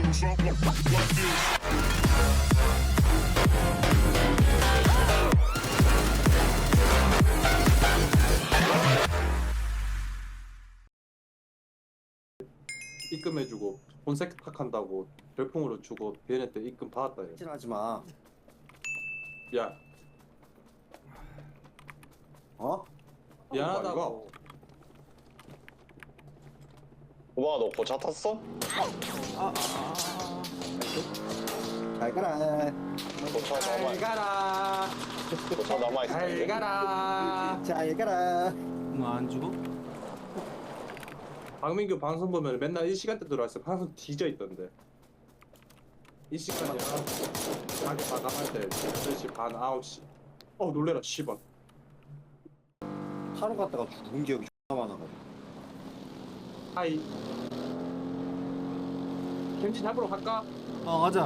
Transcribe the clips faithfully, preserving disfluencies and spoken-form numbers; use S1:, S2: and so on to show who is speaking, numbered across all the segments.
S1: 입금해주고 본 세탁한다고 별풍으로 주고 비엔에 때 입금 받았다 얘.
S2: 하지 마.
S1: 야
S2: 어?
S1: 미안하다고.
S3: 오빠 너 고차 탔어?
S2: 잘 가라.
S3: 고차
S1: 잘
S3: 남아
S1: 가라.
S3: 고차 남아
S1: 잘
S3: 있었는데.
S1: 가라.
S2: 잘 가라.
S4: 뭐안 주고?
S1: 박민규 방송 보면 맨날 이 시간대 들어왔어. 항상 뒤져 있던데. 이 시간이야. 가게 마감할 때 여덟 시 반 아홉 시. 어 놀래라 씨발.
S2: 하루 갔다가 죽은 기억이 존나 많아가지고.
S1: 하이. 김치 잡으러 갈까?
S4: 어 가자.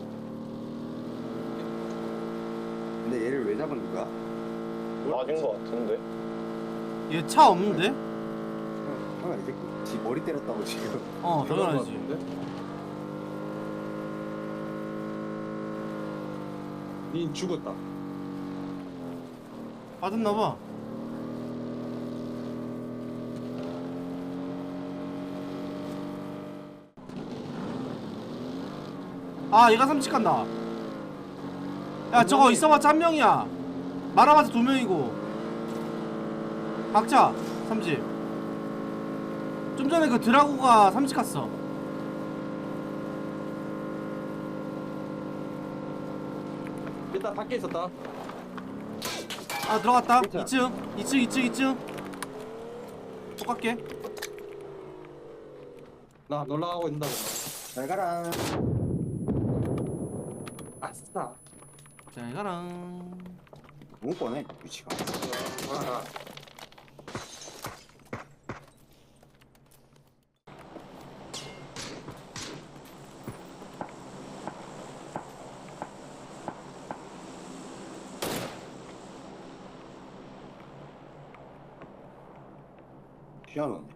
S2: 근데 얘를 왜 잡은 거야?
S3: 맞은 거 같은데.
S4: 얘 차 없는데?
S2: 형, 형 이제 지 머리 때렸다고 지금.
S4: 어 당연하지.
S1: 닌 죽었다.
S4: 받았나봐. 아 얘가 삼식한다. 야 저거 있어봤자 한 명이야. 말아봤자 두 명이고. 각자 삼십. 좀 전에 그 드라고가 삼십 갔어.
S1: 일단 밖에 있었다.
S4: 아 들어갔다.
S2: 괜찮아.
S4: 이 층 이 층 이 층 이 층 똑같게.
S1: 나 놀라가고 있는다.
S2: 잘 가라.
S1: 아싸.
S4: 자 이거랑
S2: 너무 뻔해 위치가.
S1: 아,
S2: 희한하네.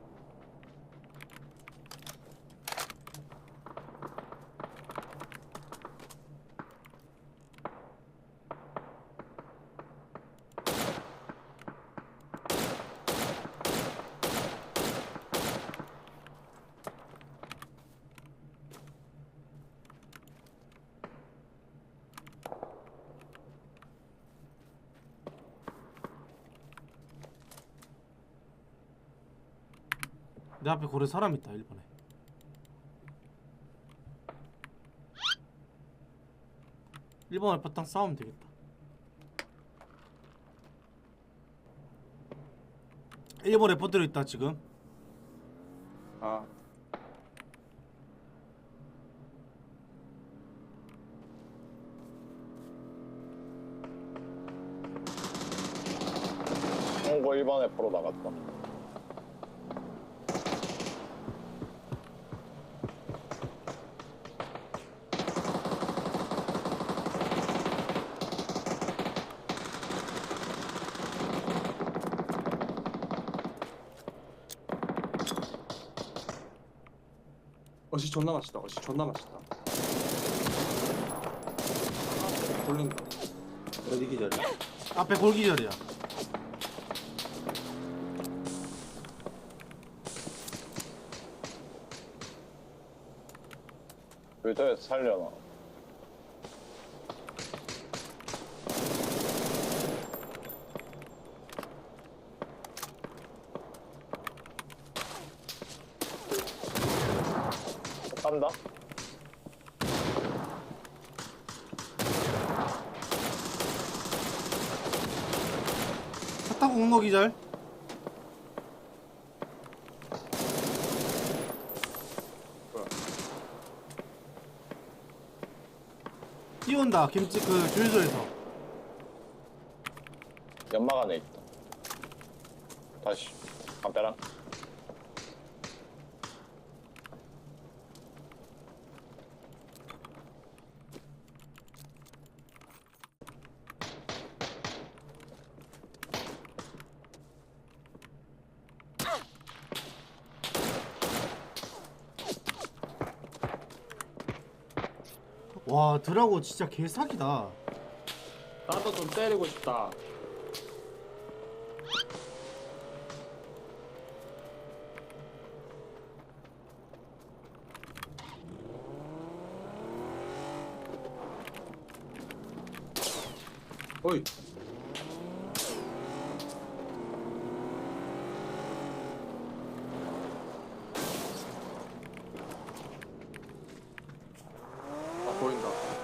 S4: 내 앞에 고래 사람 있다. 일 번에 일 번 알파탕 싸우면 되겠다. 일 번 레포트로 있다 지금.
S1: 아.
S3: 홍보 일 번에 보러 나갔다.
S1: 어시 존나 맛있다. 어시 존나 맛있다. 돌린다.
S2: 어디 기절이야?
S4: 앞에 골기절이야.
S3: 의도에서 살려나. 간다.
S4: 차 타고 온 거 기절.
S1: 뭐야?
S4: 뛰어온다. 김치 그 주유소에서.
S3: 연막 안에 있다. 다시 담배랑.
S4: 와 드라고 진짜 개사기다.
S1: 나도 좀 때리고 싶다. 어이. 아 보인다.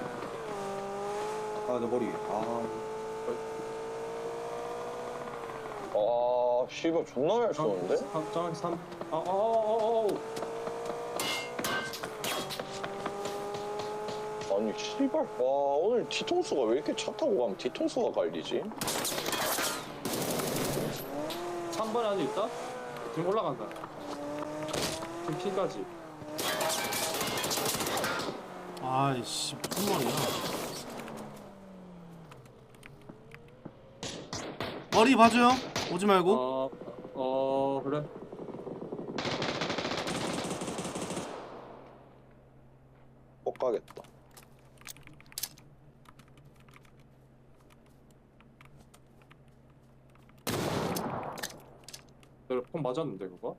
S2: 아, 내 머리. 아,
S3: 아 씨발 존나 잘 쏘는데?
S1: 삼, 점 삼. 아, 아, 아, 아,
S3: 아니 씨발 와 오늘 뒤통수가 왜 이렇게 차 타고 가면 뒤통수가 갈리지?
S1: 삼 번에 아직 있다? 지금 올라간다. 지금 P까지.
S4: 아이씨 무슨 말이야. 머리 봐줘요. 오지 말고.
S1: 어, 어, 그래.
S3: 못 가겠다.
S1: 내가 폰 맞았는데 그거?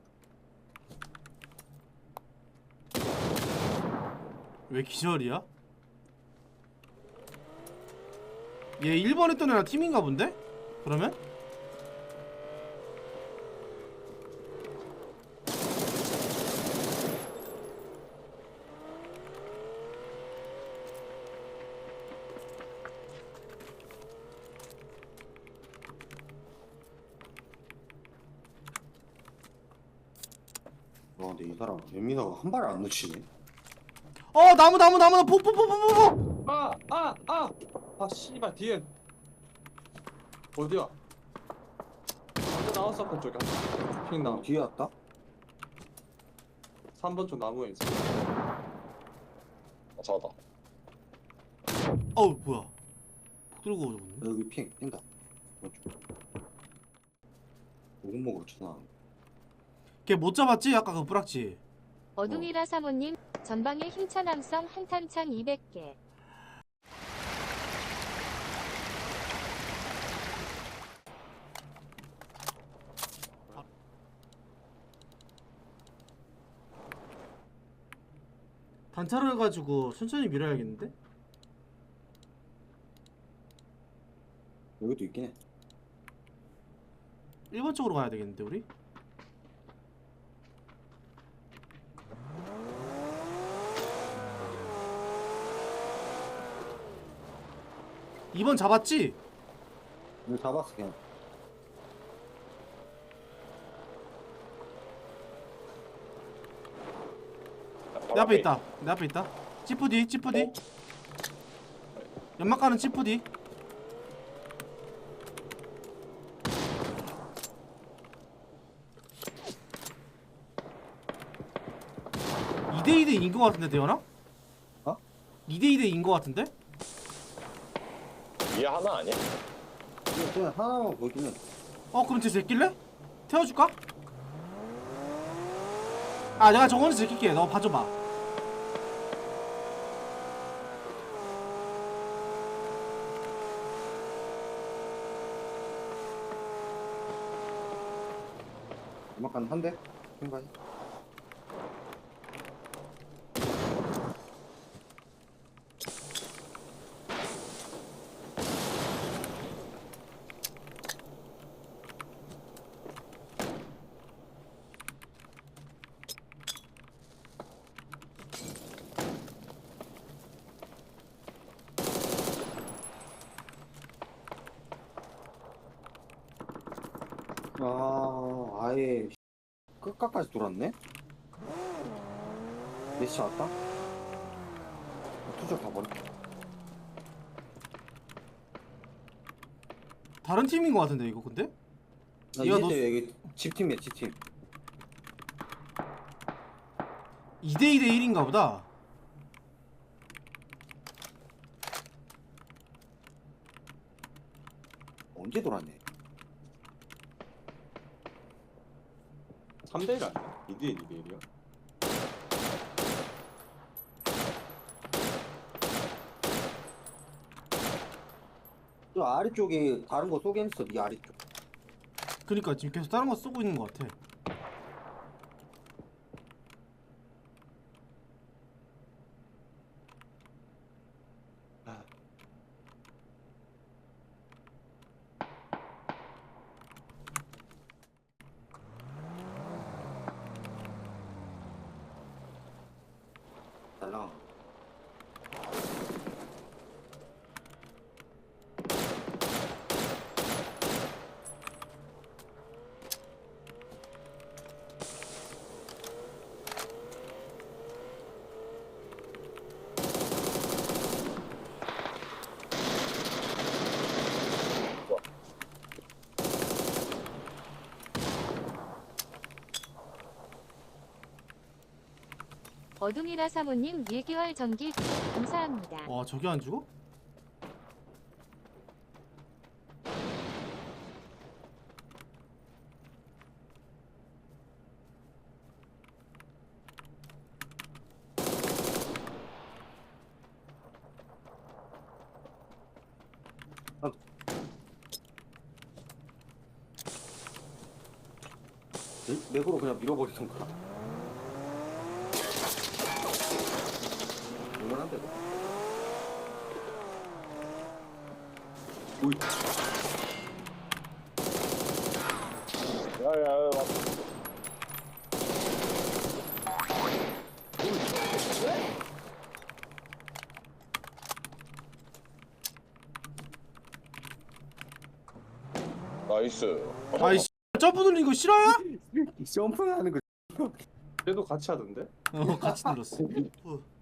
S4: 왜 기절이야? 얘 일 번 했던 애랑 팀인가 본데? 그러면?
S2: 와, 근데 이 사람 연민아가 한 발을 안 놓치네.
S4: 어 나무 나무 나무 폭폭폭폭폭.
S1: 아, 아, 아, 아, 씨발 뒤에 어디야? 먼저 나왔었던 쪽이야. 핑 나무.
S2: 뒤에 왔다?
S1: 삼 번 쪽 나무에 있어.
S3: 아, 잡았다.
S4: 어우 뭐야. 폭 들고 오졌네.
S2: 여기 핑 뛴다. 오금 먹으러 쳐나.
S4: 걔 못 잡았지? 아까 그 뿌락지.
S5: 어둠이라 사모님 전방에 힘찬 함성 한탄창 이백 개.
S4: 단차로 해가지고 천천히 밀어야겠는데?
S2: 여기도 있긴 해.
S4: 일 번 쪽으로 가야 되겠는데 우리? 이 번 잡았지?
S2: 여기 잡았어 그냥.
S4: 내 앞에 있다. 내 앞에 있다. 찌푸디 찌푸디.
S3: 어?
S4: 연막 가는 찌푸디. 이 대 이 대 인 거 같은데 대현아?
S2: 어?
S4: 이 대 이 대 인 거 같은데?
S3: 이해 하나 아니야?
S2: 그냥, 그냥 하나만 보이긴 해.
S4: 어 그럼 쟤 제낄래? 태워줄까? 아 내가 저거는 제낄게. 너 봐줘봐.
S2: 음악관 한 대? 생각이. 아, 아예 끝까지 돌았네? 몇시 왔다? 투적 가버려.
S4: 다른 팀인 거 같은데 이거 근데?
S2: 나
S4: 이거
S2: 이제
S4: 너-
S2: 여기 집팀이야, 집팀.
S4: 이 대 이 대 일인가 보다.
S2: 언제 돌았네?
S1: 삼 대 일 아니야? 이 대 일, 이 대 일이야?
S2: 저 아래쪽에 다른 거 쏘게 했어. 네 아래쪽.
S4: 그니까 지금 계속 다른 거 쏘고 있는 것 같아.
S2: 달라.
S5: 어둠이라 사모님 일 개월 전기 감사합니다.
S4: 와 저기 안 죽어?
S2: 내- 맥으로 그냥 밀어버리던가. 얼마나인데 너? 오이.
S3: 야야야 나이스.
S4: 아이 씨 점프 누르는 거 싫어요?
S2: 점프하는 거.
S1: 걔도 같이 하던데?
S4: 어 같이 눌렀어. 어.